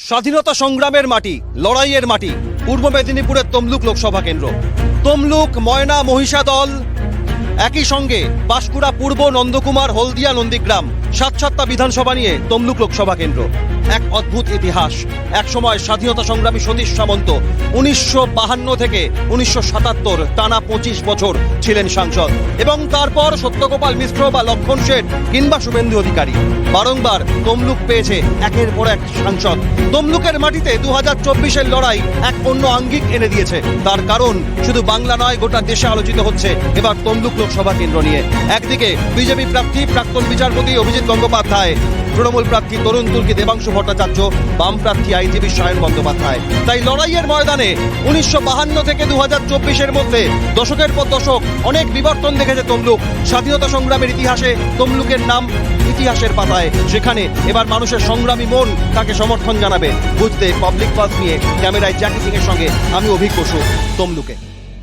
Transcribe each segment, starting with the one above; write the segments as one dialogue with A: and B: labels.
A: স্বাধীনতা সংগ্রামের মাটি, লড়াইয়ের মাটি, পূর্ব মেদিনীপুরের তমলুক লোকসভা কেন্দ্র। তমলুক, ময়না, মহিষাদল, একই সঙ্গে পাঁশকুড়া পূর্ব, নন্দকুমার, হলদিয়া, নন্দীগ্রাম, সাতটা বিধানসভা নিয়ে তমলুক লোকসভা কেন্দ্র। এক অদ্ভুত ইতিহাস। এক সময় স্বাধীনতা সংগ্রামী সতীশ সামন্ত 1952 থেকে 1977 টানা 25 বছর ছিলেন সাংসদ, এবং তারপর সত্যগোপাল মিশ্র বা লক্ষণ শেঠ কিংবা শুভেন্দু অধিকারী বারংবার তমলুক পেয়েছে একের পর এক সাংসদ। তমলুকের মাটিতে 2024-এর লড়াই এক অন্য আঙ্গিক এনে দিয়েছে। তার কারণ শুধু বাংলা নয়, গোটা দেশে আলোচিত হচ্ছে এবার তমলুক লোকসভা কেন্দ্র নিয়ে। একদিকে বিজেপি প্রার্থী প্রাক্তন বিচারপতি অভিজিৎ গঙ্গোপাধ্যায়, তৃণমূল প্রার্থী তরুণ তুর্কি দেবাংশু ভট্টাচার্য, বাম প্রার্থী আইনজীবী সায়ন বন্দ্যোপাধ্যায়। তাই লড়াইয়ের ময়দানে 1952 থেকে 2024-এর মধ্যে দশকের পর দশক অনেক বিবর্তন দেখেছে তমলুক। স্বাধীনতা সংগ্রামের ইতিহাসে তমলুকের নাম ইতিহাসের পাতায়। সেখানে এবার মানুষের সংগ্রামী মন তাকে সমর্থন জানাবে। বুঝতে পাবলিক পালস নিয়ে ক্যামেরায় জ্যাকি সিং এর সঙ্গে আমি অভিক বসু, তমলুকে।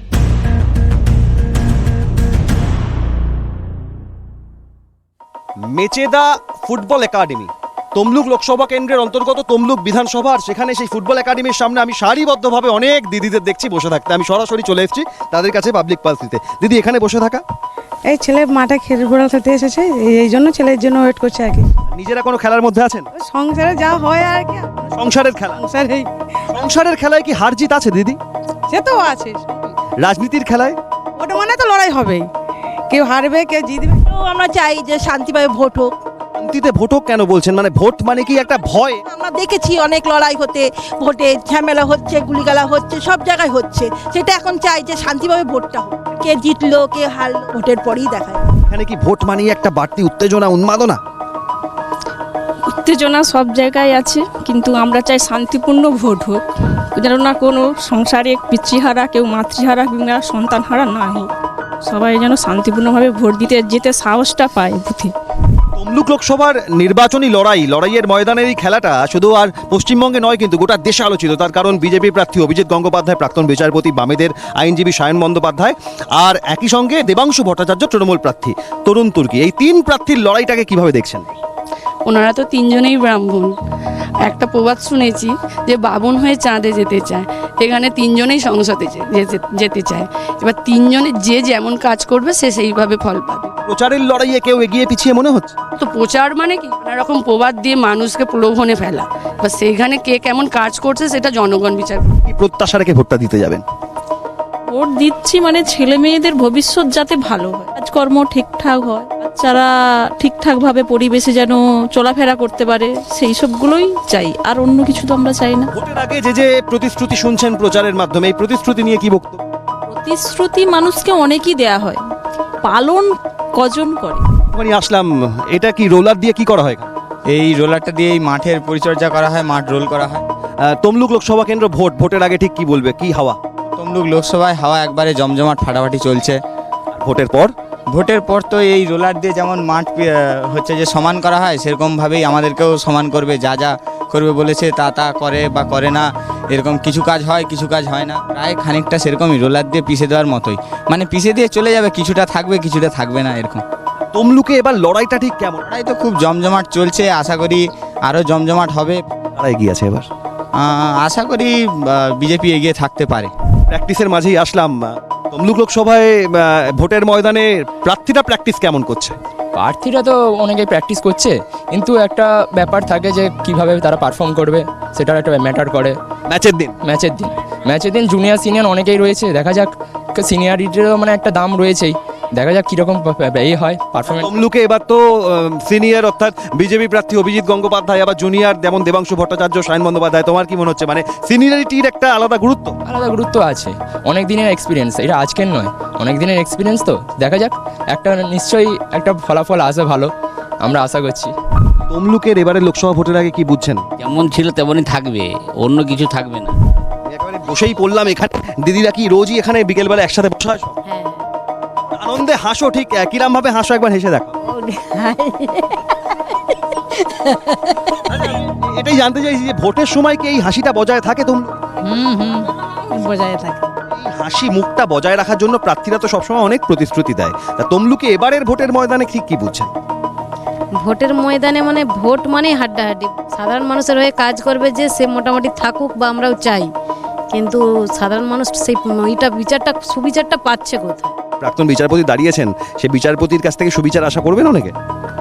A: মেচেদা ফুটবল একাডেমি তমলুক লোকসভা কেন্দ্রের অন্তর্গত তমলুক বিধানসভার, সেখানে সেই ফুটবল একাডেমির সামনে আমি সারিবদ্ধভাবে অনেক দিদিদের দেখছি বসে থাকতে। আমি সরাসরি চলে এসেছি তাদের কাছে পাবলিক পালস দিতে। দিদি, এখানে বসে থাকা?
B: এই ছেলে মাঠে ফুটবল খেলতে এসেছে, এই জন্য ছেলের জন্য ওয়েট করছে আর কি।
A: নিজেরা কোনো খেলার মধ্যে আছেন?
B: সংসারে যা হয় আর কি,
A: সংসারের খেলা। সংসারের খেলায় কি হার জিত আছে দিদি?
B: সে তো আছে।
A: রাজনীতির খেলায়
B: ওটা মানে তো লড়াই হবেই, কেউ হারবে কেউ জিতবে।
C: তো আমরা চাই যে শান্তিভাবে ভোট হোক।
A: শান্তিতে ভোট হোক কেন বলছেন? মানে ভোট মানে কি একটা ভয়?
C: আমরা দেখেছি অনেক লড়াই হতে, ভোটে ঝামেলা হচ্ছে, গুলিগালা হচ্ছে, সব জায়গায় হচ্ছে। সেটা এখন চাই যে শান্তিভাবে ভোটটা হোক। কে জিতলো কে হারলো ভোটের পরেই দেখায়।
A: এখানে কি ভোট মানে একটা বাড়তি উত্তেজনা, উন্মাদনা?
D: উত্তেজনা সব জায়গায় আছে, কিন্তু আমরা চাই শান্তিপূর্ণ ভোট হোক, যেন না কোনো সংসারে পিতৃহারা, কেউ মাতৃহারা কিংবা সন্তানহারা না হোক। সবাই যেন শান্তিপূর্ণভাবে ভোট দিতে যেতে সাহসটা পায় বুথে।
A: তমলুক লোকসভার নির্বাচনী লড়াইয়ের ময়দানের এই খেলাটা শুধু আর পশ্চিমবঙ্গে নয়, কিন্তু গোটা দেশে আলোচিত। তার কারণ বিজেপি প্রার্থী অভিজিৎ গঙ্গোপাধ্যায়, প্রাক্তন বিচারপতি বামেদের আইনজীবী সায়ন বন্দ্যোপাধ্যায়, আর একই সঙ্গে দেবাংশু ভট্টাচার্য তৃণমূল প্রার্থী তরুণ তুর্কি। এই তিন প্রার্থীর লড়াইটাকে কিভাবে দেখছেন?
D: ওনারা তো তিনজনেই ব্রাহ্মণ। একটা প্রবাদ শুনেছি যে বামন হয়ে চাঁদে যেতে চায়, এখানে তিনজনেই সংসদে যেতে চায়। এবার তিনজনে যে যেমন কাজ করবে সে সেইভাবে ফল পাবে।
A: প্রচারের লড়াইয়ে কেউ এগিয়ে পিছিয়ে মনে হচ্ছে?
D: তো প্রচার মানে কি, নানা রকম প্রবাদ দিয়ে মানুষকে প্রলোভনে ফেলা, বা সেইখানে কে কেমন কাজ করছে সেটা জনগণ বিচার করবে।
A: কি প্রত্যাশা রেখে ভোটটা দিতে যাবেন?
D: ভোট দিচ্ছি মানে ছেলে মেয়েদের ভবিষ্যৎ যাতে ভালো হয়, কাজকর্ম ঠিকঠাক হয়, বাচ্চারা ঠিকঠাকভাবে পরিবেশে যেন চলাফেরা করতে পারে, সেই সবগুলোই চাই। আর অন্য কিছু তো আমরা চাই না।
A: ভোটের আগে যে প্রতিশ্রুতি শুনছেন প্রচারের মাধ্যমে, এই প্রতিশ্রুতি নিয়ে কি বক্তব্য?
D: প্রতিশ্রুতি মানুষকে অনেকই দেয়া হয়, পালন কজন করে?
A: মানে আসলাম, এটা কি রোলার দিয়ে কি করা হয়?
E: এই রোলারটা দিয়ে এই মাঠের পরিচর্যা করা হয়, মাঠ রোল করা হয়।
A: তমলুক লোকসভা কেন্দ্র ভোটের আগে ঠিক কি বলবে, কি হাওয়া?
E: তমলুক লোকসভায় হাওয়া একবারে জমজমাট ফাটাফাটি চলছে।
A: ভোটের পর
E: তো এই রোলার দিয়ে যেমন মাঠ হচ্ছে যে সমান করা হয়, সেরকমভাবেই আমাদেরকেও সমান করবে। যা যা করবে বলেছে তা করে বা করে না, এরকম কিছু কাজ হয় কিছু কাজ হয় না। প্রায় খানিকটা সেরকমই রোলার দিয়ে পিষে দেওয়ার মতোই, মানে পিষে দিয়ে চলে যাবে, কিছুটা থাকবে কিছুটা থাকবে না, এরকম।
A: তমলুকে এবার লড়াইটা ঠিক কেমন?
E: লড়াই তো খুব জমজমাট চলছে, আশা করি আরও জমজমাট হবে।
A: কারা এগিয়ে আছে এবার?
E: আশা করি বিজেপি এগিয়ে থাকতে পারে।
A: প্র্যাকটিসের মাঝেই আসলাম, তমলুক লোকসভায় ভোটের ময়দানে প্রার্থীরা প্র্যাকটিস কেমন করছে?
F: প্রার্থীরা তো অনেকেই প্র্যাকটিস করছে, কিন্তু একটা ব্যাপার থাকে যে কিভাবে তারা পারফর্ম করবে, সেটার একটা ম্যাটার করে। ম্যাচের দিন জুনিয়র সিনিয়র অনেকেই রয়েছে, দেখা যাক। সিনিয়রিটিরও মানে একটা দাম রয়েছেই, দেখা যাক কীরকম এই হয় পারফরমেন্স।
A: তমলুকে এবার তো সিনিয়র অর্থাৎ বিজেপি প্রার্থী অভিজিৎ গঙ্গোপাধ্যায়, আবার জুনিয়র যেমন দেবাংশু ভট্টাচার্য, সায়ন বন্দ্যোপাধ্যায়। তোমার কি মনে হচ্ছে, মানে সিনিয়রিটির একটা আলাদা গুরুত্ব
F: আছে? অনেক দিনের এক্সপিরিয়েন্স, এটা আজকের নয়, অনেক দিনের এক্সপিরিয়েন্স। তো দেখা যাক, একটা নিশ্চয়ই একটা ফলাফল আসে ভালো, আমরা আশা করছি।
A: তমলুকের এবারে লোকসভা ভোটের আগে কি বুঝছেন?
G: যেমন ছিল তেমনই থাকবে, অন্য কিছু থাকবে না।
A: একেবারে বসেই পড়লাম এখানে। দিদিরা কি রোজই এখানে বিকেলবেলা একসাথে বসে আসো? আনন্দে হাসো, ঠিক কিরম ভাবে হাসো একবার হেসে দেখো। এটাই জানতে চাইছি যে ভোটের সময় কি এই হাসিটা বজায় থাকে তমলুক?
B: বজায় থাকে।
A: হাসি মুখটা বজায় রাখার জন্য প্রার্থীরা তো সবসময় অনেক প্রতিশ্রুতি দেয়। তা তমলুকে এবারের ভোটের ময়দানে ঠিক কি বুঝছেন?
H: ভোটের ময়দানে মানে ভোট মানেই হাড্ডাহাড্ডি। সাধারণ মানুষের হয়ে কাজ করবে যে সে মোটামুটি থাকুক বা আমরাও চাই, কিন্তু সাধারণ মানুষ সেই সুবিচারটা পাচ্ছে কোথায়?
A: প্রাক্তন বিচারপতি দাঁড়িয়েছেন, সেই বিচারপতির কাছ থেকে সুবিচার আশা করবেন অনেকে।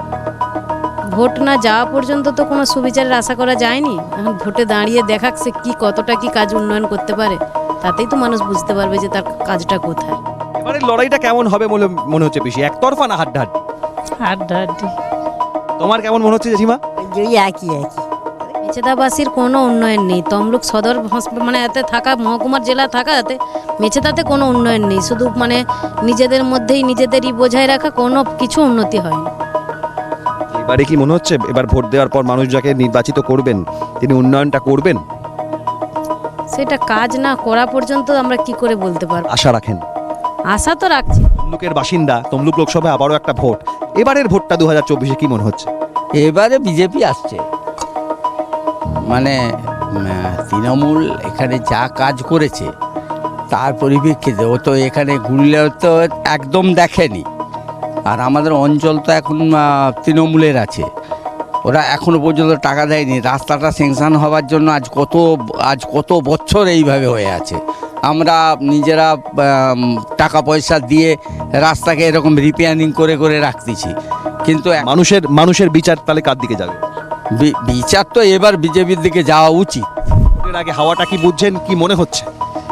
H: ভোট না যাওয়া পর্যন্ত তো কোনো সুবিচারের আশা করা যায়নি। এখন ভোটে দাঁড়িয়ে দেখাক সে কতটা কি কাজ উন্নয়ন করতে পারে, তাতেই তো মানুষ বুঝতে পারবে যে তার কাজটা কোথায়।
A: এবারে লড়াইটা কেমন হবে বলে মনে হচ্ছে বেশি, একতরফা না হাড্ডাহাড্ডি?
B: হাড্ডাহাড্ডি।
A: তোমার কেমন মনে হচ্ছে জেঠিমা?
C: একই
H: মেছেদাবাসীর কোনো উন্নয়ন নেই। তমলুক সদর মানে এতে থাকা মহকুমার জেলা থাকা এতে মেছেদাতে কোনো উন্নয়ন নেই, শুধু মানে নিজেদের মধ্যেই নিজেদেরই বোঝায় রাখা, কোনো কিছু উন্নতি হয়নি।
A: এবারে কি মনে হচ্ছে এবার ভোট দেওয়ার পর মানুষ যাকে নির্বাচিত করবেন তিনি উন্নয়নটা করবেন?
H: সেটা কাজ না করা পর্যন্ত আমরা কি করে বলতে পারবো?
A: আশা রাখেন?
H: আশা তো রাখছি।
A: তমলুকের বাসিন্দা, তমলুক লোকসভায় আবারও একটা ভোট, এবারের ভোটটা 2024-এ কি মনে হচ্ছে?
I: এবারে বিজেপি আসছে, মানে তৃণমূল এখানে যা কাজ করেছে তার পরিপ্রেক্ষিতে ও তো এখানে ঘুরলে তো একদম দেখেনি। আর আমাদের অঞ্চল তো এখন তৃণমূলের আছে, ওরা এখনো পর্যন্ত টাকা দেয়নি। রাস্তাটা স্যাংশন হওয়ার জন্য আজ কত বছর এইভাবে হয়ে আছে। আমরা নিজেরা টাকা পয়সা দিয়ে রাস্তাকে এরকম রিপেয়ারিং করে করে রাখতেছি, কিন্তু
A: মানুষের বিচার তাহলে কার দিকে যাবে?
I: বিচার তো এবার বিজেপির দিকে যাওয়া উচিত।
A: ভোটের আগে হাওয়াটা কি বুঝছেন, কি মনে হচ্ছে?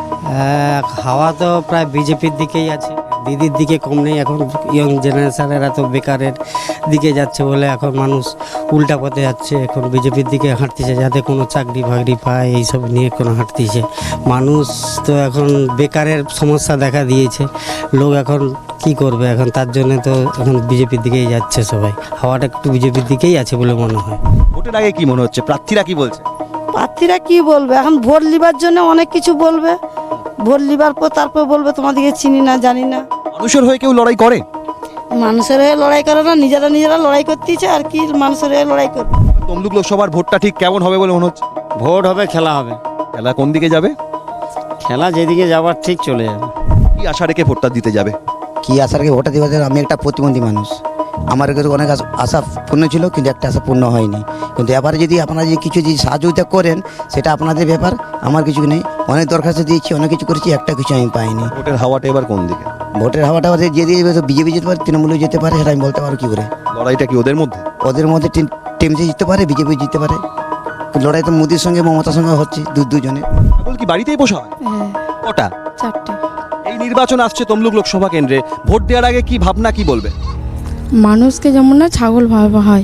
J: হাওয়া তো প্রায় বিজেপির দিকেই আছে, দিদির দিকে কম নেই। এখন ইয়ং জেনারেশনেরা তো বেকারের দিকে যাচ্ছে বলে এখন মানুষ উল্টা পথে যাচ্ছে, এখন বিজেপির দিকে হাঁটতেছে যাতে কোনো চাকরি বাকরি পায়, এইসব নিয়ে কোনো হাঁটতেছে। মানুষ তো এখন বেকারের সমস্যা দেখা দিয়েছে, লোক এখন কি করবে, এখন তার জন্য তো এখন বিজেপির দিকেই যাচ্ছে সবাই। হাওয়াটা একটু বিজেপির দিকেই আছে বলে মনে হয়।
A: ভোটের আগে কি মনে হচ্ছে, প্রার্থীরা কি বলছে?
C: প্রার্থীরা কি বলবে, এখন ভোট লিবার জন্য অনেক কিছু বলবে, ভোট লিবার পর তারপর বলবে তোমাদেরকে চিনি না জানি না।
A: মানুষের হয়ে কেউ লড়াই করে?
C: মানুষের হয়ে লড়াই করে না, নিজেরা লড়াই করতেছে, আর কি মানুষের হয়ে লড়াই করবে।
A: তমলুক লোকসভার ভোটটা ঠিক কেমন হবে বলে মনে হচ্ছে?
J: ভোট হবে, খেলা হবে,
A: খেলা কোন দিকে যাবে?
J: খেলা যেদিকে যাবার ঠিক চলে যাবে।
A: কি আশা রেখে ভোটটা দিতে যাবে?
K: কি আশা রেখে ভোটটা দিতে? আমি একটা প্রতিবন্ধী মানুষ, আমার কাছে অনেক আশা পূর্ণ ছিল, কিন্তু একটা আশা পূর্ণ হয়নি। কিন্তু এবারে যদি আপনারা যদি কিছু যদি সাহায্যতা করেন সেটা আপনাদের ব্যাপার, আমার কিছু নেই। অনেক দরখাস্ত দিয়েছি, অনেক কিছু করেছি, একটা কিছু আমি পাইনি।
A: ভোটের হাওয়াটা এবার কোন দিকে?
K: ভোটের হাওয়াটা যদি বিজেপি যেতে পারে, তৃণমূলে যেতে পারে, সেটা আমি বলতে পারবো কী করে।
A: লড়াইটা কি ওদের মধ্যে?
K: ওদের মধ্যে টিএমসি জিততে পারে, বিজেপি জিততে পারে। লড়াই তো মোদির সঙ্গে মমতার সঙ্গে হচ্ছে, দুজনে।
A: ছাগল কি বাড়িতেই পোষা হয়? কটা?
B: 4টে।
A: এই নির্বাচন আসছে তমলুক লোকসভা কেন্দ্রে, ভোট দেওয়ার আগে কি ভাবনা, কি বলবে?
B: মানুষকে যেমন না ছাগল ভাবা হয়।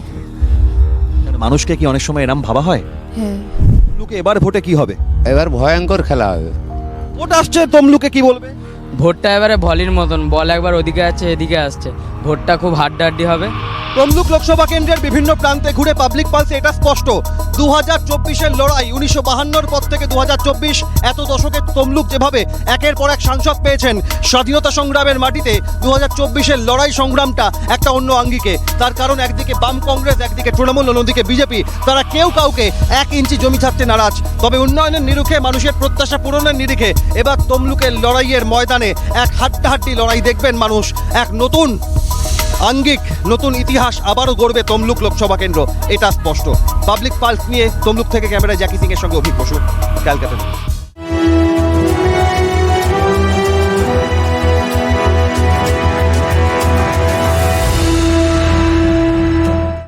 A: মানুষকে কি অনেক সময় এরম ভাবা হয়?
B: হ্যাঁ।
A: তমলুকে এবার ভোটে কি হবে?
I: এবার ভয়ঙ্কর খেলা হবে।
A: ভোট আসছে তমলুকে, কি বলবে?
F: ভোটটা এবারে ভলির মতন, বল একবার ওদিকে আছে এদিকে আসছে, ভোটটা খুব হাড্ডাহাড্ডি হবে।
A: তমলুক লোকসভা কেন্দ্রের বিভিন্ন প্রান্তে ঘুরে পাবলিক পালসে এটা স্পষ্ট, 2024-এর লড়াই 1952-র পর থেকে 2024 এত দশকে তমলুক যেভাবে একের পর এক সাংসদ পেয়েছেন, স্বাধীনতা সংগ্রামের মাটিতে 2024-এর লড়াই সংগ্রামটা একটা অন্য আঙ্গিকে। তার কারণ একদিকে বাম কংগ্রেস, একদিকে তৃণমূল, অন্যদিকে বিজেপি, তারা কেউ কাউকে 1 ইঞ্চি জমি ছাড়তে নারাজ। তবে উন্নয়নের নিরিখে, মানুষের প্রত্যাশা পূরণের নিরিখে এবার তমলুকের লড়াইয়ের ময়দানে এক হাড্ডাহাড্ডি লড়াই দেখবেন মানুষ। এক নতুন আঙ্গিক, নতুন ইতিহাস আবারও গড়বে তমলুক লোকসভা কেন্দ্র, এটা স্পষ্ট। পাবলিক পালস নিয়ে তমলুক থেকে ক্যামেরায় জ্যাকি সিং এর সঙ্গে অভিক বসু, ক্যালকাটা।